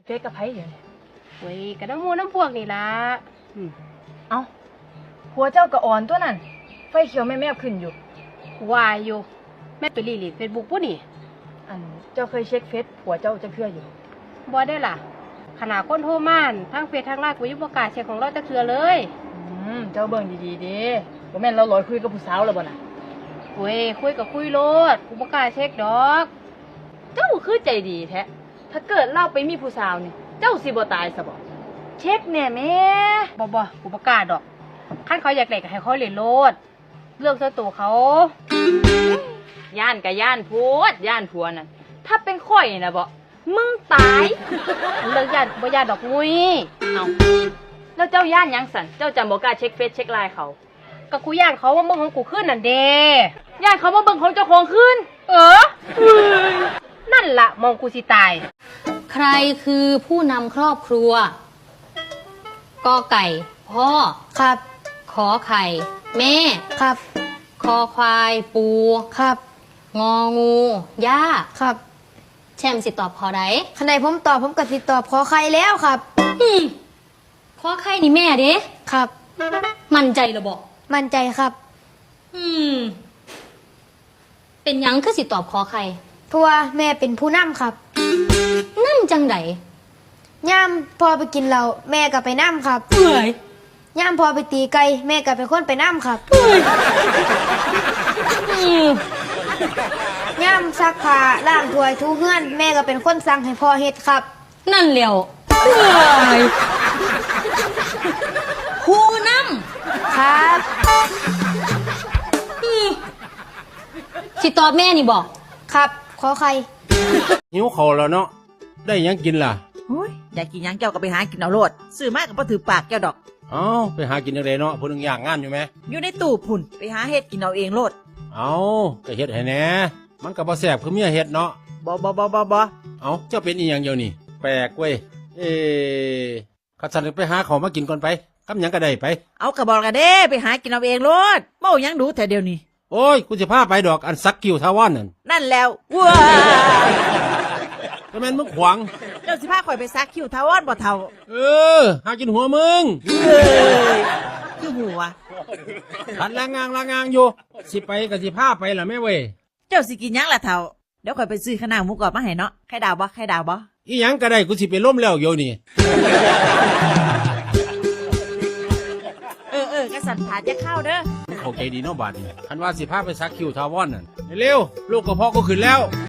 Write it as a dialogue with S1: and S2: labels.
S1: ซกับไผอยู่เนี่ย
S2: เว้ยกระน้ำมูน้ำพวกนี่ละ
S1: เอ้าผัวเจ้าก็อ่อนตัวนั่นไฟเขียวแม่ๆขึ้นอยู่
S2: วายอยู่แม่ไปรีดเฟซบุ๊กปุ๊นี่
S1: อันเจ้าเคยเช็คเฟซผัวเจ้าจะเชื่ออยู่
S2: บ่ได้ล่ะขนาดคนโทรม่านทั้งเฟซทั้งไลน์กูยังประกล้าศเช็คของเราจะคือเลย
S1: เจ้าเบิ่งดีๆเด้บ่แม่นเราลอยคุยกับผู้สาวแล้วบ่น่ะ
S2: เว้ยคุยกับคุยโลดกูประกล้าศเช็คดอก
S1: เจ้าคือใจดีแท้ถ้าเกิดเราไปมีผู้สาวนี่เจ้าสิบ่ตายซะบ่เช็คแน่แม่
S2: บ่กูประกล้าศดอกขั้นเขาอยากเล่นก็ให้เขาเล่นโลดเรื่องส่วนตัวเขา
S1: ย่านกับย่านพูดย่านผัวนั่นถ้าเป็นข่อยนะบ่มึงตาย
S2: เรื่องญาติบ่ญาติดอกมุ้ย
S1: เอาแล้วเจ้าย่านหยังสันเจ้าจำบ่กล้าเช็คเฟซเช็คไลน์เขา
S2: ก็กูย่านเขาว่ามึงของกูขึ้นนั่นเด้
S1: ย่านเขามาเบิ่งของเจ้าของขึ้น
S2: นั่นล่ะมองกูสิตาย
S3: ใครคือผู้นำครอบครัวกอไก่พ่อ
S4: ครับ
S3: ขอไข่ แม่
S4: ครับ
S3: คอควายปู
S4: ครับ
S3: งองูย่า
S4: ครับ
S3: แชมสิตอบขอใด
S4: ขณะผมตอบผมก็สิตอบขอใครแล้วครับ
S3: ขอไข่นี่แม่เด้
S4: ครับ
S3: มั่นใจเหรอบอก
S4: มั่นใจครับ
S3: เป็นหยังคือสิตอบขอไข่
S4: เพราะว่าแม่เป็นผู้นำครับ
S3: นั่นจังได
S4: ย่ามพอไปกินเหล้าแม่ก็ไปนำครับ
S3: เอ้ย
S4: ย่ามพอไปตีไก่แม่ก็เป็นคนไปนำครับย่ามซักผ้าล้างถ้วยถูเฮือนแม่ก็เป็นคนสั่งให้พ่อเฮ็ดครับ
S3: นั่นเร็วผู้น
S4: ครับ
S3: ำสิตอบแม่นี่บอก
S4: ครับขอใคร
S5: หิวข้าวแล้วเนาะได้หยังกินล่ะ
S6: โอ้ยอยากกินหยังเจ้าก็ไปหากินเอาโลดซื้อมากก็บ่ถือปากเจ้าดอก
S5: เอ้าไปหากินจังไดเนาะผู้หนึงย่างงานอยู่ไหม
S6: อยู่ในตู้พุ่นไปหาเฮ็ดกินเอาเองโลด
S5: เอ้าก็เฮ็ดให้แหน่มันก็บ่แซ่บคือเมียเฮ็ดเนาะ
S6: บ่
S5: เอ้าเจ้าเป็นอีหยังเดี๋ยวนี้แปลกเว้ยข้าสั่นไปหาข้าวมากินก่อนไปคำหยังก็ได้ไป
S6: เอากระบอกกันเด้ไปหากินเอาเองโลดเมาหยังดูแต่เดียวนี้
S5: โอ้ยกูสิพาไปดอกอันซักคิวทาวอนนั่น
S6: นั่นแล้วว้า
S5: ก็แม่นมึงขวาง
S6: เจ้าสิพาข่อยไปซักคิวทาวอนบ่เท่า
S5: หากินหัวมึง
S6: เอ้ยคือหัว
S5: ขันลางางอยู่สิไปก็สิพาไปล่ะแม่เว้ย
S6: เจ้าสิกินหยังล่ะเท่าเดี๋ยวข่อยไปซื้อข้าวหน้าหมูกรอบมาให้เนาะไข่ดาวบ่ไข่ดาวบ่
S5: อีหยังก็ได้กูสิไปล้มแล้วเดี๋ยวนี้
S6: กระสันผาจะเข้าเด้อ
S5: เข้าใจดีเนาะบาดนี้คันว่าสิพาไปซักคิวทาวอนนั่นเร็วๆลูกกระเพาะก็ขึ้นแล้ว